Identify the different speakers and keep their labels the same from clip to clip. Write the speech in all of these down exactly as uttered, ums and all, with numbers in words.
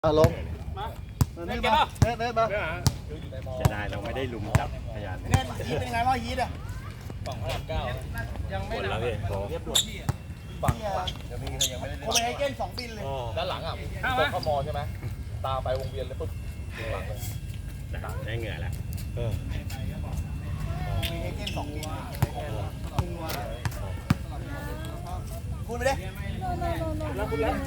Speaker 1: ลงเน็ตมาเน็ตเน็ตมา
Speaker 2: จะได้เราไม่ได้ลุมจับพยาน
Speaker 1: เน็ตยีเป็นยังไงรอยยีดอ่ะ
Speaker 3: สองพลังเก้า
Speaker 1: ยังไม่
Speaker 2: หมดแล้วพี่โค้
Speaker 1: ฝั่งยังมียังไม่ได้โคเปนเฮเกนสองบินเลย
Speaker 3: ด้านหลังอ่ะตกเข้ามอใช่ไหมตาไปวงเวียนเลยปุ๊บหลังเลย
Speaker 2: ได้เหงื่อแล้ว
Speaker 1: โคเปนเฮเกนสองบินคุณไปดิแล้วคุณแล้ว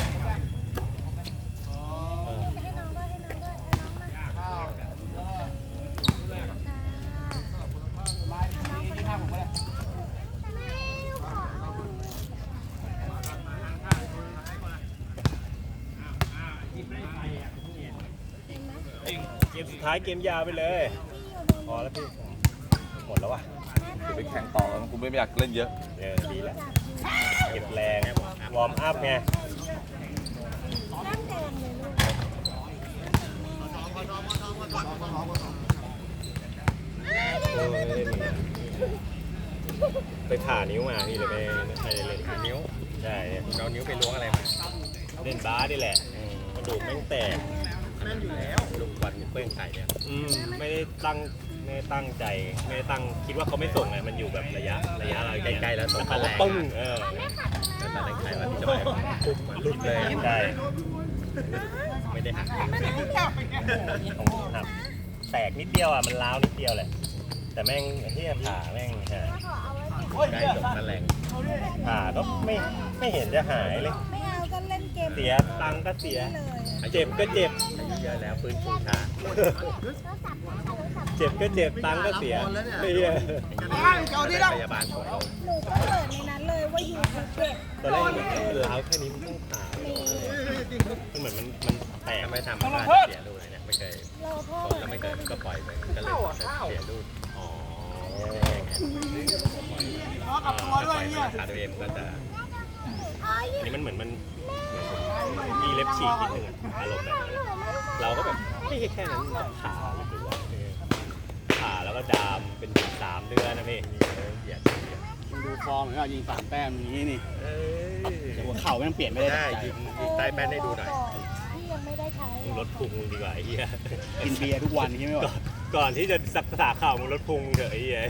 Speaker 2: เกมสุดท้ายเกมยาวไปเลยพอแล้วพี่หมดแล้ววะ
Speaker 3: กูไปแข่งต่อแล้วกูไม่อยากเล่นเยอะ
Speaker 2: เออดีแล้วเก็บแรงวอร์มอัพไงไปผ่านิ้วมาพี่เลยไม่ใช่เล่นผ่านิ้วใช่เรานิ้วไปล้วงอะไรมาเล่นบาสนี่แหละกระดูกแม่งแตกนั่นอยู่แล้วลูกบอลเปื้อนไข่เนี่ยอืมไม่ได้ตั้งไม่ได้ตั้งใจไม่ได้ตั้งคิดว่าเขาไม่ส่งไงมันอยู่แบบระยะระยะเราใกล้ๆแล้วส่งมาแรงปึ้งเออแล้วตอนแรกใครว่าที่จะไปปุ๊บมันหลุดเลยได้ไม่ได้หักของหักแตกนิดเดียวอ่ะมันล้าวนิดเดียวแหละแต่แม่งที่ผ่าแม่งใช่ใกล้จบนั่นแหละผ่าก็ไม่ไม่เห็นจะหายเลย
Speaker 4: ไม่เอาก็เล่นเกม
Speaker 2: เสียตังก็เสียเจ็บก็เจ็บเยอะแล้วฟื้นฟูช้าเจ็บก็เจ็บตังก็เสียไม่เยอะพยาบาลของเรา
Speaker 4: หนูก็เปิดในนั้นเลยว่าอยู่ภูเก็ต
Speaker 2: ตอนแรกมันล้าวแค่นี้มันต้องผ่ามันเหมือนมันมันแตกไม่ทำมันก็เสียรูอะไรเนี่ยไม่เคยก็ไม่เคยก็ปล่อยไปก็เลยเสียรูอ๋อ
Speaker 1: กับตัวด้วยเนี่ย
Speaker 2: ขาตัวเองก็จะนี่มันเหมือนมันมีเล็บฉีกนิดนึงอารมณ์แบบนั้นเราก็แบบไม่ใช่แค่นั้นผ่าหรือว่าผ่าแล้วก็ดามเป็นสามเดือนนะพี่เหยียด
Speaker 1: ดูฟอร์มเหมือนกันยิงสามแต้มอย่างนี้นี่หัวเข่าไม่ต้องเปลี่ยนไม่ได้
Speaker 2: ยิงใต้แป้นให้ดูหน่อย
Speaker 4: ที่ยังไม่ได้ใช้
Speaker 2: ลดพุงดีกว่าไอ้เหี้ย
Speaker 1: กินเบียร์ทุกวันใช่ไหมวะ
Speaker 2: ก่อนที่จะสักษาข่าวมึงลดพุงเถอะไอ้เหี้ย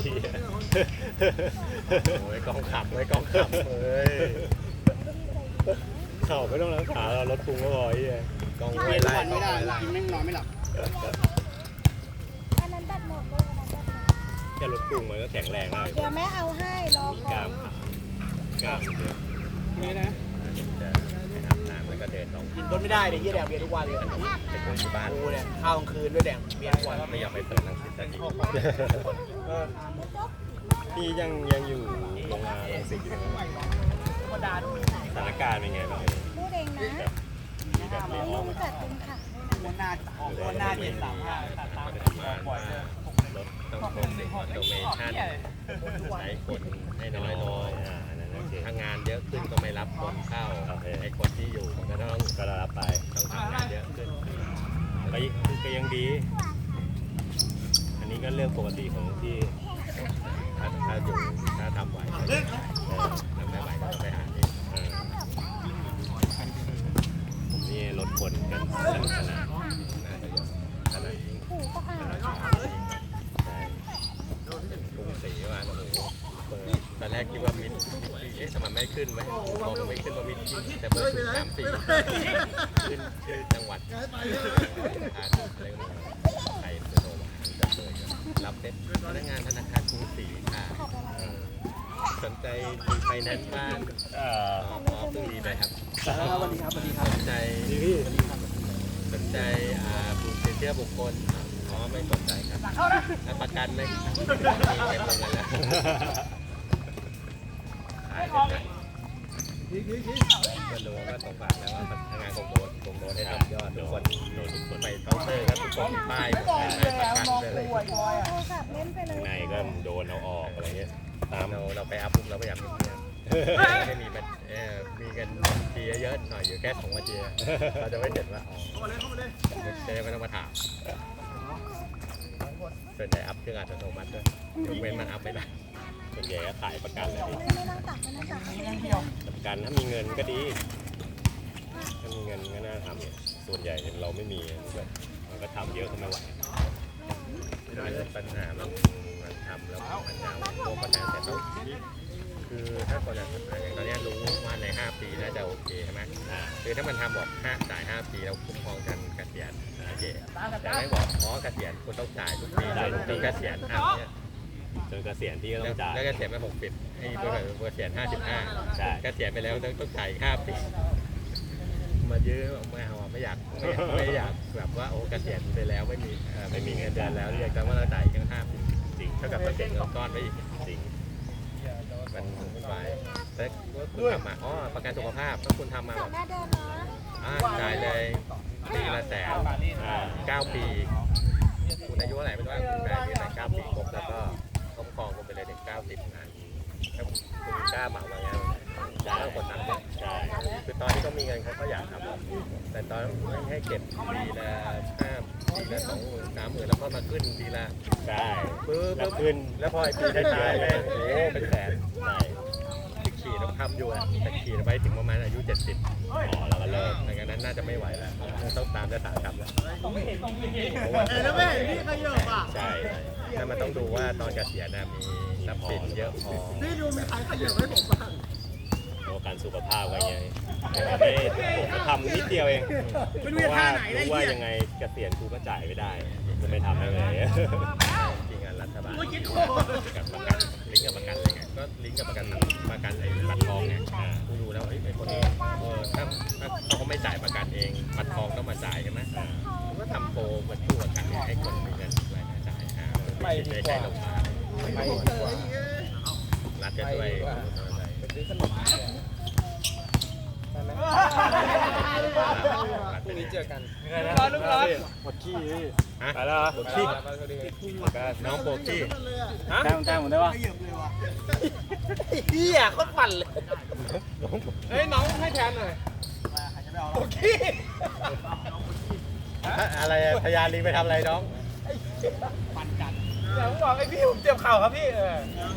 Speaker 2: โอ้ยกองขับไว้กองขับเฮ้ยเข่าไม่ต้องรักษาเราลดพุงก็พอไอ้เหี้ยกอง
Speaker 1: ไม่ได้ไม่ได้กินแม่งนอนไม่หลับ
Speaker 4: อันนั้นดัดหมดเลย
Speaker 2: แค่ลดพุงมันก็แข็งแรงแล้ว
Speaker 4: เดี๋ยวแม่เอาให้รอก่อน
Speaker 2: กล้ามขากล้ามเยอะ
Speaker 1: นี่นะ
Speaker 2: จะไปอาบน้ำแล้วก็เดินออก
Speaker 1: กินต้นไม่ได้เลยยี่แดงเบียร์ทุกวันเลย
Speaker 2: ไปคุยที่บ้าน
Speaker 1: กูเนี่ยข้าวกลางคืนด้วยแดงเบียร์ทุกวัน
Speaker 2: ไม่ยอมไปเปิดหนังสือสักทีพี่ยังยังอยู่โรงงานหนังสืออยู่สถานการณ์เป็นไงบ้าง
Speaker 4: พูดเองนะไม่รู้จักเป็นขัง
Speaker 1: วันหน้าออกวันหน้าเจ็ดสามห้าตัดตามปล่อยเลย
Speaker 2: รถต้องโปรเซสออโตเมชั่นใช้คนให้น้อยลงถ้างานเยอะขึ้นก็ไม่รับคนเข้าไอ้คนที่อยู่มันก็ต้องก็รับไปต้องทำงานเยอะขึ้นก็ก็ยังดีอันนี้ก็เรื่องปกติของที่ถ้าถ้าอยู่ถ้าทำไหวทำไม่ไหวก็ต้องไปหาเองผมนี่ลดคนกันสนุกสนานน่าจะเยอะขนาดนี้กรุงศรีว่าโอ้โหตอนแรกคิดว่ามิดเอ๊ะทำไมไม่ขึ้นไหมมองไม่ขึ้นว่ามิดแต่เบอร์สามสี่ขึ้นชื่อจังหวัดอาอะไรก็ไทยโนวาจะเลยรับเซ็ตพนักงานธนาคารกรุงศรีค่ะสนใจไฟแนนซ์บ้านอ๋อเพิ่งดีไปครับ
Speaker 1: สวัสดีครับสวัสดีครับ
Speaker 2: สนใจสนใจอ่าบุคคลเชื่อบุคคลอ๋อไม่สนใจครับประกันไหมมีเต็มเลยแล้วขายได้ก็รู้ว่าตรงฝากแล้วว่าทำงานของโดนของโดนให้ทำยอดทุกคนโดนทุกคนไปเคาน์เตอร์ครับทุกคนป้ายประกันเลยข้างในก็โดนเอาออกอะไรเงี้ยตามเราเราไปอัพปุ๊บเราพยายามไม่มีมันเออมีกันทีเยอะๆหน่อยอยู่แค่สองวันเดียวเราจะไม่เห็นว่าอ๋อจะไม่ต้องมาถามส่วนใหญ่อัพเครื่องอัตโนมัติด้วยยกเว้นมันอัพไม่ได้ส่วนใหญ่ก็ขายประกันเลยประกันถ้ามีเงินก็ดีถ้ามีเงินก็น่าทำส่วนใหญ่เราไม่มีแบบมันก็ทำเยอะก็ไม่ไหวปัญหามันมันทำแล้วมันจะโตปัญหาแต่ต้องคือถ้าคนอย่างตอนนี้รู้ว่าในห้าปีน่าจะโอเคใช่ไหมคือถ้ามันทำบอกห้าจ่ายห้าปีแล้วคุ้มครองกันเกษียณโอเคแต่ไม่บอกอ๋อเกษียณคุณต้องจ่ายทุกปีจนเกษียณอ่ะเนี่ย
Speaker 5: จนเกษียณพี่ก็ต้องจ่าย
Speaker 2: แล้วเกษียณไปหกสิบไอ้เบอร์เกษียณห้าสิบห้าใช่เกษียณไปแล้วต้องต้องจ่ายห้าปีมาเยอะไม่เอาไม่อยากไม่อยากแบบว่าโอ้เกษียณไปแล้วไม่มีไม่มีเงินเดือนแล้วอยากจะว่าเราจ่ายยังห้าปีจริงเท่ากับเราเก็บเงินก้อนไว้อีกจริงมันวุ่นวายแต่คุณทำมาอ๋อประกันสุขภาพถ้าคุณทำมา
Speaker 4: จ
Speaker 2: แบ
Speaker 4: อด
Speaker 2: บ
Speaker 4: หน้าเดินนะ
Speaker 2: อ่าจ่ายเลยปีละแสนเก้าปีคุณอายุเท่าไหร่ไม่รู้ว่าคุณได้ที่ไหนเก้าปีครบแล้วก็คุ้มครองคุณไปเลยถึงเก้าสิบงานถ้าคุณกล้าเหมาอย่างเงี้ยจ่ายแล้วกดตังค์เนี่ยใช่คือตอนที่เขามีเงินเขาก็อยากทำแต่ตอนไม่ให้เก็บปีละห้าปีละสองหมื่นสามหมื่นแล้วก็มาขึ้นทีละ
Speaker 5: ใช่
Speaker 2: ปึ๊บ
Speaker 5: แล้วขึ้น
Speaker 2: แล้วพอไอ้ปีท้ายๆแม่งโอ้เป็นแสน
Speaker 5: ใช่
Speaker 2: ขี่ต้องทำอยู่อะแต่ขี่ไปถึงประมาณอายุเจ็ดสิบ
Speaker 5: อ๋อแล้วก็เลิก
Speaker 2: ดังนั้นน่าจะไม่ไหวแล้วต้องตามยถากรรมแล้ว
Speaker 1: แล้วแม่พี่ขยับอ่ะ
Speaker 2: ใช่ถ้ามันต้องดูว่าตอนเกษียณนะมีทรัพย์สินเยอะพอ
Speaker 1: พี่ดูมีใครขยับให้ผมบ้าง
Speaker 5: ประกันสุขภาพไว้ไงไม่ผมทำนิดเดียวเองเพราะว่ารู้ว่ายังไงเกษียณกูก็จ่ายไม่ได้จะไม่ทำให้เลย
Speaker 2: จริงๆรัฐบาลกับประกันลิงก์กับประกันอะไรไงก็ลิงก์กับประกันประกันไอ้บัตรทองไงกูดูแล้วไอ้คนนี้เออถ้าถ้าเขาไม่จ่ายประกันเองบัตรทองต้องมาจ่ายใช่ไหมก็ทำโปรเหมือนผู้ประกันให้คนมีเงินรายจ่ายอ่าไม่ได้ใช้ลงมาไม่ดีกว่ารัฐจะช่วยพรุ่งนี้เจอกันร้อนลูกร้อนหมดขี้ฮะไปแล้วหมดขี้น้องโปกี้ฮะ
Speaker 1: แต้มแต้มผมได้ปะ
Speaker 3: เฮียโคตรปั่นเลย
Speaker 2: เฮ้ยน้องให้แทนหน่อย
Speaker 3: โอเค
Speaker 2: อะไรอะพยานลิงไปทำอะไรน้อง
Speaker 3: เดี๋ยวผมบอกไอ้พี่ผมเจ็บเข่าครับพี่เออ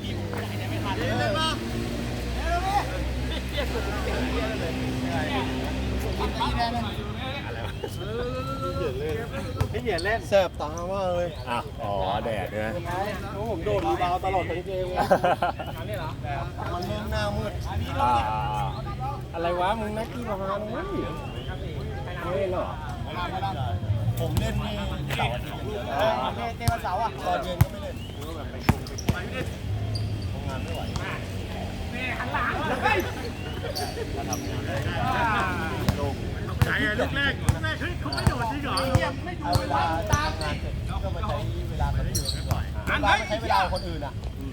Speaker 1: พี่เหยียดเล่น
Speaker 3: แสบตามากเลย
Speaker 5: อ่ะอ๋อแดดด้วย
Speaker 1: ผมโดดรีบาวตลอดทั้งเกมเลย
Speaker 3: มันเริ่มหน้ามืด
Speaker 5: อ่า
Speaker 1: อะไรวะมึงนักกีฬานะมั้งเฮ้ยเหรอ
Speaker 3: ผมเล่นนี่เสาร์อาทิตย์เล่นวันเสาร์อ่ะตอนเย็นก็ไม่เล่นทำงานไม่ไหว
Speaker 5: มาทำงาน
Speaker 1: ไหนอะลูกแรกลูกแรกเฮ้ยเขาไม่โดดจริงเหรอ
Speaker 3: เอาเวลาทำงานเสร็จก็มาใช้เวลาคนอื่นดีกว่าเวลาไม่ใช้เวลาคนอื่นอ่ะ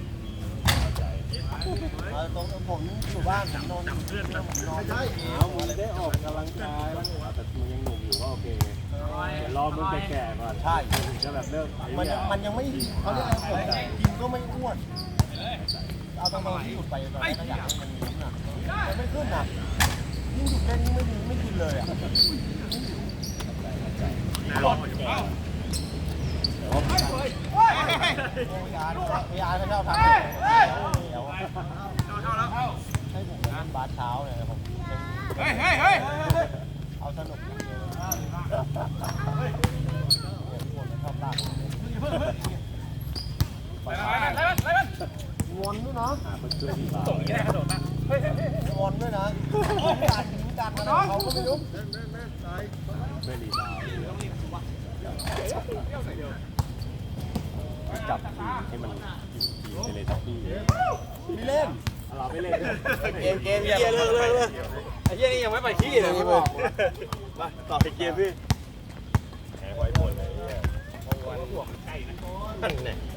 Speaker 3: ตรงผมอยู่บ้านผมนอนเพื่อนผมนอนใช่
Speaker 1: เอามึงได้ออกกำลังกายแล้วแต่มึงยังหนุ่มอยู่ก็โอเคเดี๋ยวรอมึงแก่ๆก่อน
Speaker 3: ใช่
Speaker 1: ถึงจะแบบเลิก
Speaker 3: มันยังมันยังไม่เขาเรียกอะไรผมกินก็ไม่อ้วนเอาตรงๆที่หยุดไปตอนแรกก็อยากให้มันมีน้ำหนักมันไม่ขึ้นอ่ะยิ่งหยุดแค่นี้ไม่มีไม่กินเลยอ่ะ
Speaker 1: รออยู่
Speaker 3: พยานพยานเขาชอบทำเดี๋ยวให้ผมเล่นบาสเช้าเนี่ยผมเฮ้ยเฮ้ยเฮ้ยเอาสนุกชอบลากวนด้วยนะ
Speaker 1: ส่งแค่กระโดดมา
Speaker 3: วนด้วยนะการยิงการมาเขาก็ไม่รู้
Speaker 5: ไม่รีบาวจับทีให้มันทีไปเลยทักพี่
Speaker 3: ไม่เล่น
Speaker 1: เราไม่เล่น
Speaker 3: เกมเกมเยี่ยเลิกเลิกเลิกไอ้เยี่ยนี่ยังไม่ไปขี้เลยพี่บอกมาต่อไปเกมพี่
Speaker 2: แพ้ไว้หมดเลยเนี่ยนั่นแหละ